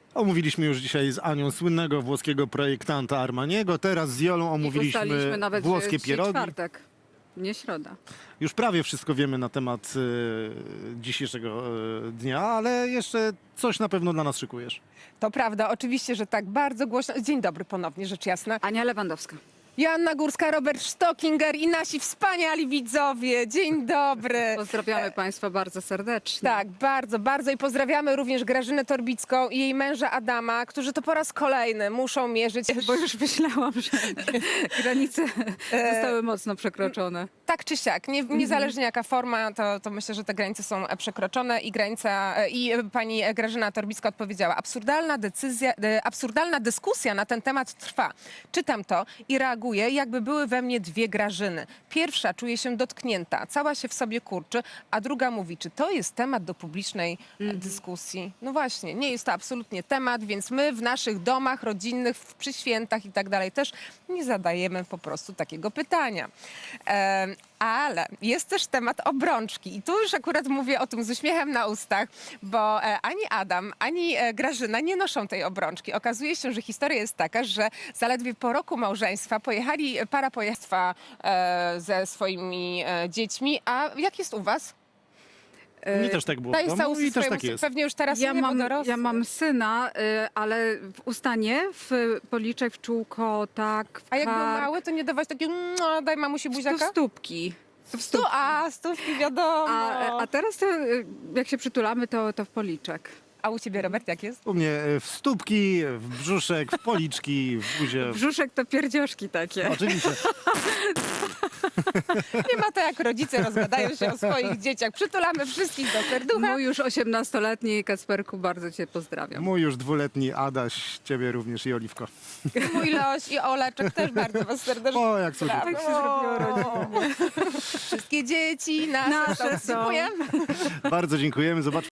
Omówiliśmy już dzisiaj z Anią słynnego włoskiego projektanta Armaniego. Teraz z Jolą Ustaliliśmy omówiliśmy nawet, włoskie że dzisiaj pierogi. czwartek, nie środa. Już prawie wszystko wiemy na temat dzisiejszego dnia, ale jeszcze coś na pewno dla nas szykujesz. To prawda, oczywiście, że tak, bardzo głośno. Dzień dobry ponownie, rzecz jasna. Ania Lewandowska. Joanna Górska, Robert Stockinger i nasi wspaniali widzowie. Dzień dobry. Pozdrawiamy Państwa bardzo serdecznie. Tak, bardzo, bardzo i pozdrawiamy również Grażynę Torbicką i jej męża Adama, którzy to po raz kolejny muszą mierzyć. Bo już myślałam, że granice zostały mocno przekroczone. Tak czy siak, niezależnie jaka forma, to myślę, że te granice są przekroczone i pani Grażyna Torbicka odpowiedziała. Absurdalna dyskusja na ten temat trwa. Czytam to i reaguję, jakby były we mnie dwie Grażyny. Pierwsza czuje się dotknięta, cała się w sobie kurczy, a druga mówi, czy to jest temat do publicznej dyskusji? No właśnie, nie jest to absolutnie temat, więc my w naszych domach rodzinnych, przy świętach i tak dalej też nie zadajemy po prostu takiego pytania. Ale jest też temat obrączki i tu już akurat mówię o tym z uśmiechem na ustach, bo ani Adam, ani Grażyna nie noszą tej obrączki. Okazuje się, że historia jest taka, że zaledwie po roku małżeństwa para pojechała ze swoimi dziećmi. A jak jest u was? Mnie też tak było w Dajesz domu całusy i też tak swojemu jest. Pewnie już teraz Ja nie, bo dorosły. ja mam syna, ale w ustanie, w policzek, w czółko, tak, w A jak był kark, mały, to nie dawać takiego, daj mamusi do buziaka? stópki. Stówki wiadomo. A teraz to, jak się przytulamy, to w policzek. A u ciebie, Robert, jak jest? U mnie w stópki, w brzuszek, w policzki, w buzię. Brzuszek to pierdzioszki takie. Oczywiście. Nie ma to jak rodzice rozgadają się o swoich dzieciach. Przytulamy wszystkich do serducha. Mój już 18-letni Kacperku, bardzo cię pozdrawiam. Mój już 2-letni Adaś, ciebie również i Oliwko. Mój Loś i Oleczek też bardzo was serdecznie O, jak cudownie. pozdrawiam. Tak się zrobiło rodzinnie. Wszystkie dzieci nasze Nasze są. Dziękujemy. Bardzo dziękujemy. Zobaczmy.